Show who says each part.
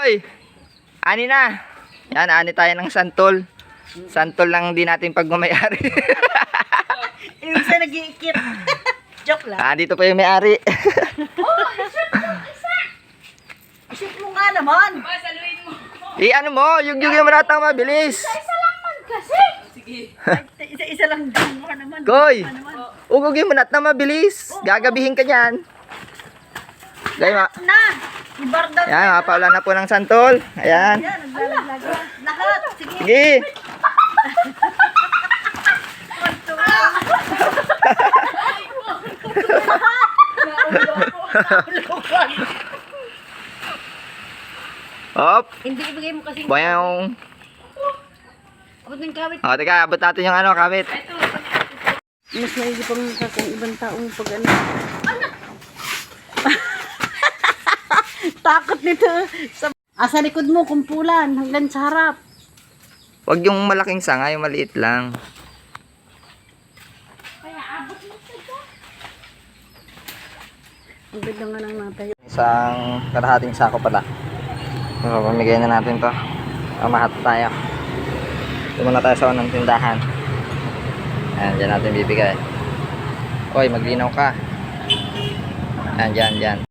Speaker 1: Hoy, ani na. Yan, ani tayo ng santol. Santol lang din natin pag may-ari.
Speaker 2: Yung isa nag-iikip. Joke lang.
Speaker 1: Dito pa yung may-ari.
Speaker 2: Isip mo nga naman.
Speaker 1: Ano mo, yung mo natang mabilis.
Speaker 2: Isa-isa lang din mo naman.
Speaker 1: Koy, ugugin mo natang mabilis. Gagabihin ka niyan. Gaya ma.
Speaker 2: Na! Ibardaw.
Speaker 1: Yan, mapawala na po ng santol. Ayan.
Speaker 2: Yan, naglalaglag. Lahat. Sige.
Speaker 1: Sige. Hop.
Speaker 2: Hindi ibigay mo kasi.
Speaker 1: Boyong.
Speaker 2: Abot ng kawit.
Speaker 1: O, teka, abot natin yung kabit.
Speaker 2: Mas maigi pang kung ibang taong pag ano. Takot nito. Sa likod mo, kumpulan. Hanggang sa harap.
Speaker 1: Huwag yung malaking sanga, yung maliit lang.
Speaker 2: Ang ganda nga ng natay.
Speaker 1: Isang kalahating sako pala. So, pamigay na natin to. Pamahat tayo. Tumuna tayo sa unang tindahan. Ayan, dyan natin bibigay. Hoy, maglinaw ka. Ayan, dyan.